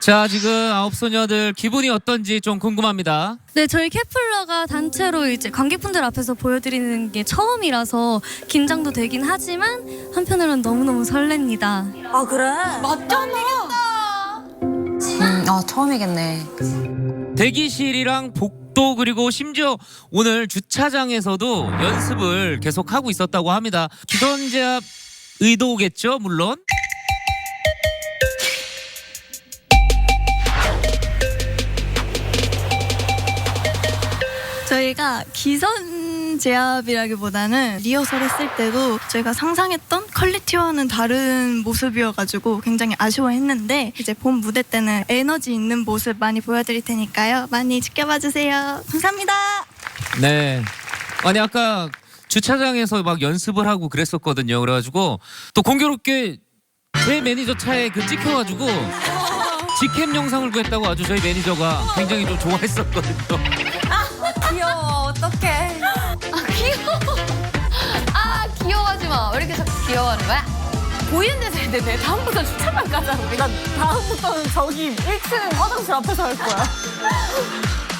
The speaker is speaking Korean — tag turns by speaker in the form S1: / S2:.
S1: 자, 지금 아홉 소녀들 기분이 어떤지 좀 궁금합니다.
S2: 네, 저희 케플러가 단체로 이제 관객분들 앞에서 보여드리는 게 처음이라서 긴장도 되긴 하지만 한편으로는 너무너무 설렙니다.
S3: 아 그래?
S4: 처음이겠네.
S1: 대기실이랑 복도 그리고 심지어 오늘 주차장에서도 연습을 계속 하고 있었다고 합니다. 기선제압 의도겠죠, 물론.
S5: 저희가 기선 제압이라기보다는 리허설 했을 때도 저희가 상상했던 퀄리티와는 다른 모습이어가지고 굉장히 아쉬워했는데 이제 본 무대 때는 에너지 있는 모습 많이 보여드릴 테니까요. 많이 지켜봐 주세요. 감사합니다.
S1: 네. 아니 아까 주차장에서 막 연습을 하고 그랬었거든요. 그래가지고 또 공교롭게 제 매니저 차에 그 찍혀가지고 직캠 영상을 구했다고 아주 저희 매니저가 굉장히 좀 좋아했었거든요.
S3: 귀여워 어떡해.
S4: 귀여워하지 마. 왜 이렇게 자꾸 귀여워하는 거야?
S3: 보이는 데서 해야 되네. 다음부터 주차장 가자. 우리. 난 다음부터는 저기 1층 화장실 앞에서 할 거야.